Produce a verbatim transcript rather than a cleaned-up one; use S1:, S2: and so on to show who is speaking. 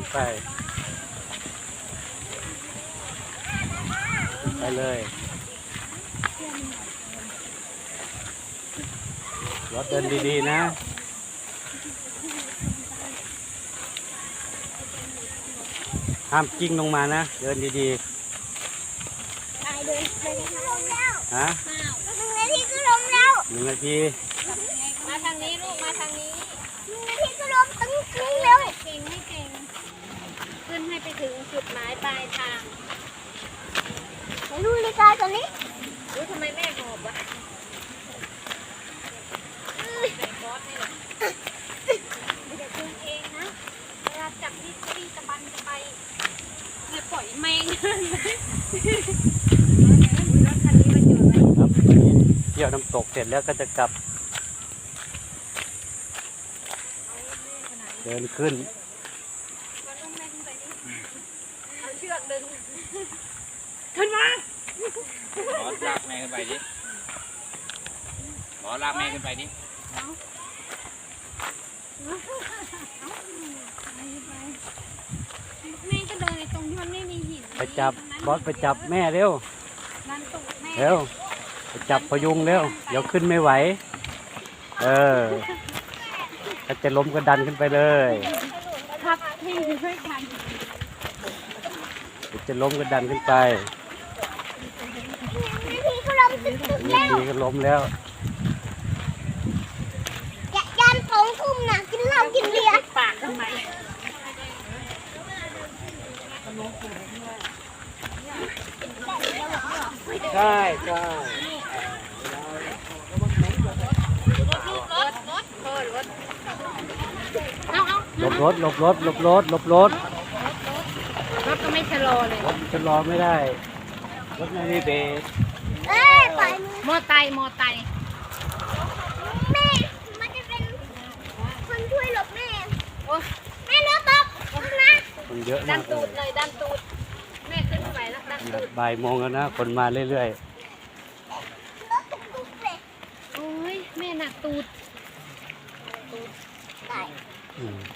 S1: ขึ้นไปขึ้นไปเลยรถเดินดีๆนะห้ามกิ้งลงมานะเดินดีๆฮะหนึ่งนาทีก็ล้มแล้วหนึ่งนาที
S2: มาทางนี้ลูกมาทางนี้
S1: หนึ่งนาทีก็ล้มตึ้งตึ้งแล้ว
S2: เก่งให้เก่งขึ้นให้ไปถึงจุดหมายปลายทาง
S1: ดูนาฬิกาตอนนี้
S2: รู้ทำไมแม่หอบวะใส่บอสนี่แหละไม่ได้ขึ้นเองนะเวลาจับนี่ตีตะบันจะไปเลยปล่อยแมงรถคันนี้มันอยู่ไหน
S1: ครับเที่ยวน้ำตกเสร็จแล้วก็จะกลับเดินขึ้น
S2: เอาเชือกดึงขึ้นมา
S3: หมอลากแม่ขึ้นไปดิหมอลากแม่ขึ้นไปดิ
S2: แม่ก็เดินในตรงที่มันไม่มีหิน
S1: ไปจับบอสไปจับแม่เร็วเร็วไปจับพยุงเร็วเดี๋ยวขึ้นไม่ไหวเออถ้าจะล้มก็ดันขึ้นไปเลย
S2: ครับให้ช่วยกัน
S1: จะล้มก็ดันขึ้นไป
S2: นี่ก็ล้มตึ๊กๆแล้ว
S1: นี่ก็ล้มแล้ว
S2: ยันสองทุ่มน่ะกินเหล้ากินเบียร์ปากทำไม
S1: ใช่ใช่หลบรถหลบรถหลบรถหลบรถ
S2: รถก็ไม่ชะลอเลย
S1: รถชะลอไม่ได้รถไม่มีเบรก
S2: เอ้ยปล่อยมือมอไซค์มอไซค์
S1: แม่
S2: มันจะเป็นคนช่วยหลบแม่โอ้แม่เนื้อตกนะ
S1: คนเยอะ
S2: ดั
S1: มานก
S2: ตูดเลยดันตูดแม่ขึ้นไปแล้วดันตูด
S1: บ่ายโมงแล้วนะคนมาเรื่อย
S2: ๆโอ้ยแม่หนักตูดตูดไก่